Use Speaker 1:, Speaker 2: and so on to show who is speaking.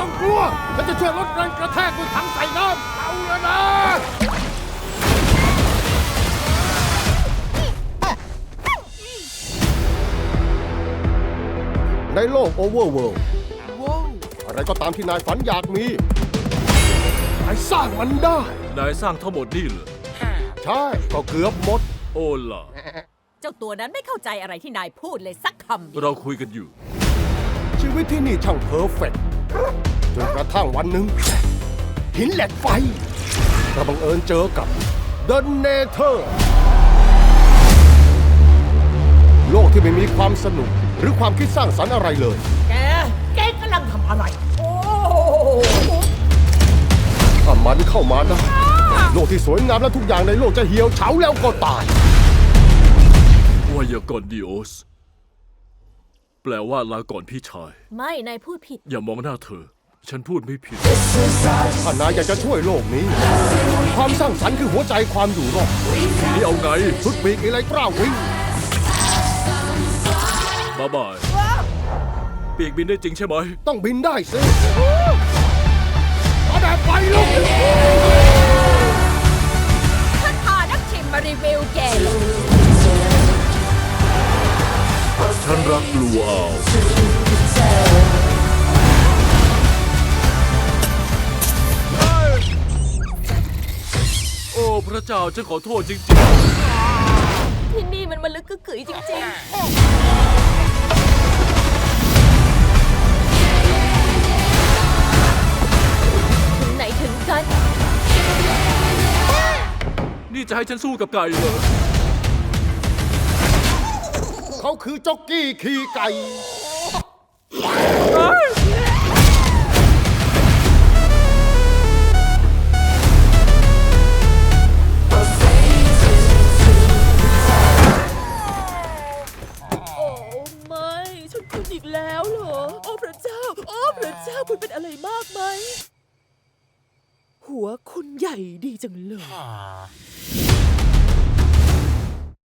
Speaker 1: ต้องกลัวฉันจะช่วยลดแรงกระแทกด้วยถังใส่น้ำเอาแล้วนะในโลกโอเวอร์เวิลด์อะไรก็ตามที่นายฝันอยากมีนายสร้างมันได้
Speaker 2: นายสร้างทั้งหมดนี่เหรอ
Speaker 1: ใช่ก็เกือบหมด
Speaker 2: โอ้ล่ะ
Speaker 3: เจ้าตัวนั้นไม่เข้าใจอะไรที่นายพูดเลยสักคำเดียว
Speaker 2: เราคุยกันอยู่
Speaker 1: ชีวิตที่นี่ช่างเพอร์เฟกต์จนกระทั่งวันหนึ่งหินเหล็กไฟเราบังเอิญเจอกับ The Nether โลกที่ไม่มีความสนุกหรือความคิดสร้างสรรค์อะไรเลย
Speaker 3: แกกำลังทำอะไร โอ้
Speaker 1: ถ้ามันเข้ามาได้โลกที่สวยงามและทุกอย่างในโลกจะเหี่ยวเฉาแล้วก็ตาย
Speaker 2: วายากรดิโอส แปลว่าลาก่อนพี่ชาย
Speaker 3: ไม่ นายพูดผิด
Speaker 2: อย่ามองหน้าเธอ ฉันพูดไม่ผิด
Speaker 1: ถ้านายอยากจะช่วยโลกนี้ ความสร้างสรรค์คือหัวใจความอยู่รอด
Speaker 2: นี่เอาไง
Speaker 1: ชุดปีกอะไรกล้าวิ่ง
Speaker 2: บ๊ายบาย ปีกบินได้จริงใช่ไหม
Speaker 1: ต้องบินได้สิมาแบบไฟลุก
Speaker 3: ถ้าพานักชิมมารีวิวแกเหรอ
Speaker 2: ฉันรักลูอาวโอ้พระเจ้าฉันขอโทษจริง
Speaker 3: ที่นี่มันลึกกึกกึ๋ยจริงๆ ถึงไหนถึงกัน
Speaker 2: ๆ นี่จะให้ฉันสู้กับไก่เหรอ
Speaker 1: เขาคือจ็อกกี้ขี่ไก่
Speaker 4: โอ้ไม่ ฉันคุณอีกแล้วเหรอ โอ้พระเจ้า โอ้พระเจ้าคุณเป็นอะไรมากไหม หัวคุณใหญ่ดีจังเลย